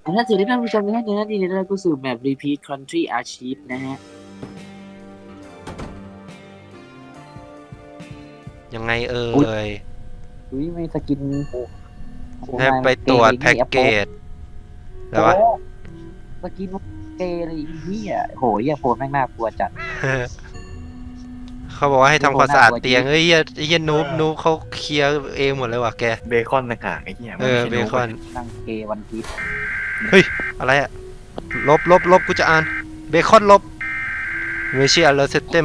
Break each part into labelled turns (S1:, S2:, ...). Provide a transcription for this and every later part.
S1: ถ้าสวัสดีท่านผู้ชมทุกท่านนะที่ได้รับเข้าสู่แมป Repeat Country Archive นะฮะ
S2: ยังไงเอ่
S1: อุ้ย
S2: ย
S1: อุ้ยไม่สกินโอ้โห
S2: ให้
S1: นาย
S2: ไป
S1: มันเกย์เลย
S2: ตรวจแพ็ก
S1: นี่อะโป
S2: เกจอะไร
S1: โอ้
S2: วะ
S1: สกินมันเกย์เลยเฮียโหเฮียโฟนแม่งน่ากลัวจัด
S2: เขาบอกว่าให้
S1: เฮียโฟ
S2: ทำความสะอาด
S1: นน่ากลัวจริง
S2: เตียงเอ้ยเหี้ยนูบเขาเคลียร์เองหมดเลยว่ะแก
S3: เบคอนต่างหากไอ้เหี้ยมันไม่ใช่
S2: เบ
S3: นูบ
S2: คอน
S1: นั่งเกย์วันพีช
S2: เฮ้ยอะไรอะลบกูจะอ่านเบคอนลบไม่ใช่อะไรเซตเต็ม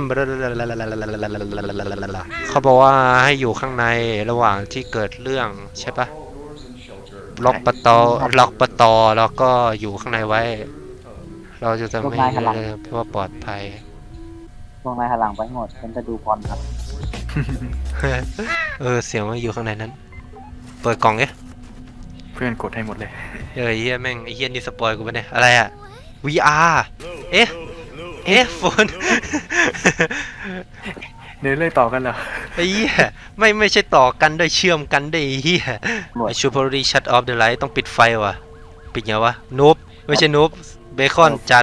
S2: เขาบอกว่าให้อยู่ข้างในระหว่างที่เกิดเรื่องใช่ปะล็อกประตอแล้วก็อยู่ข้างในไว้ เราจะ
S1: พวก
S2: ไม่
S1: นายหันหลัง
S2: เพื่อปลอดภัย
S1: พวกนายหันหลังไปหมดฉันจะดูบอลครับ
S2: เสียงมันอยู่ข้างในนั้น เปิดกล่องเอ๊ะ
S3: เพื่อนกดให้หมดเลย
S2: เฮียแม่งไอ้เฮียนี่สปอยกูปะเนี่ยอะไรอะ VR เอ๊ะโฟน
S3: เดินเลยต่อกันเหรอ
S2: ไอ้เหี้ยไม่ใช่ต่อกันด้วยเชื่อมกันด้วยไอ้เหี้ย
S1: หมด
S2: I should probably shut off the light ต้องปิดไฟว่ะปิดไงวะนูบไม่ใช่นูบเบคอนจัด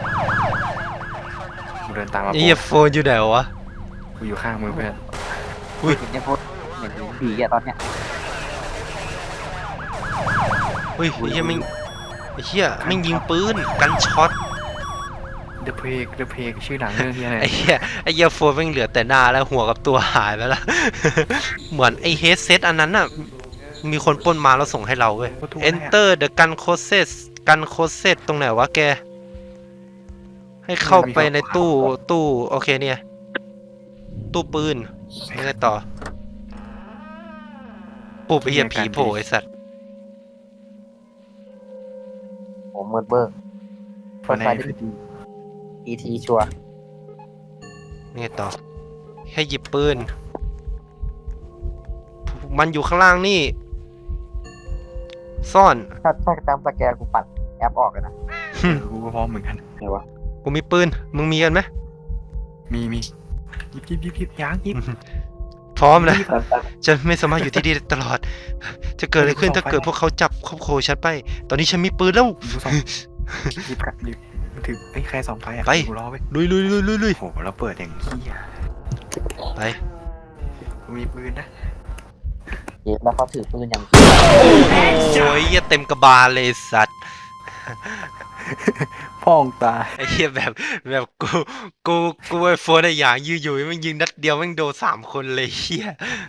S3: กูเดินตามมา
S2: ไอ้เหี้ยโฟนอยู่ไหนวะ
S3: กูอยู่ข้างมือเพื่อน
S1: เห็นเนี่ยโฟนเห็นผีอะตอนเนี้ย
S2: เฮ้ยไอ้เหี้ยแม่งยิงปืนกันช็อต
S3: เดอะเพกชื่อหนังเรื่องที่อะไร
S2: ไอ้เหี้ยโฟนแม่งเหลือแต่หน้าแล้วหัวกับตัวหายไปแล้ว เหมือนไอ้เฮดเซตอันนั้นน่ะมีคนปล้นมาแล้วส่งให้เราเว้ย Enter the gun closet ตรงไหนวะแก ให้เข้าไปในตู้โอเคเนี่ยตู้ปืนยังไงต่อปุ๊บไอ้เหี้ยผีโผล่ไอ้สัตว์
S1: ผมมืดเบิร์เปิดไฟได้อีทีชัวร์
S2: ยังไงต่อให้หยิบปืนมันอยู่ข้างล่างนี่ซ่อน
S1: ถ้าจำสแกนกูปัดแอปออกเลยนะ
S3: กูก็พร้อมเหมือนกัน
S1: ไงวะ
S2: กูมีปืนมึงมีกันไหม
S3: มียิบยางยิบ
S2: พร้อมนะ
S1: รีบแบบ
S2: ฉันไม่สามารถอยู่ที่นี่ตลอด จะเกิดอะไรขึ้นถ้าเกิดพวกเขาจับครอบครัวฉันไป ตอนนี้ฉันมีปืนแล้ว
S3: ดูสองยิบกัดยิบมันถือไอ้ใครสองไฟอ่ะ
S2: ไป
S3: กูรอไป
S2: ลุย
S3: โอ้โหแล้วเปิดอย่างขี้อ่ะ
S2: ไป
S3: กูมีปืนนะ
S1: เย็บแล้วเขาถือปืนอย่าง
S2: โอ้ยเหี้ยเต็มกระบาลเลยสัตว์
S3: พ่องตา
S2: ไอ้เหี้ยแบบกูไอ้โฟนไอ้อย่างยืนอยู่มันยิงนัดเดียวแม่งโดน3 คนเลยเหี้ย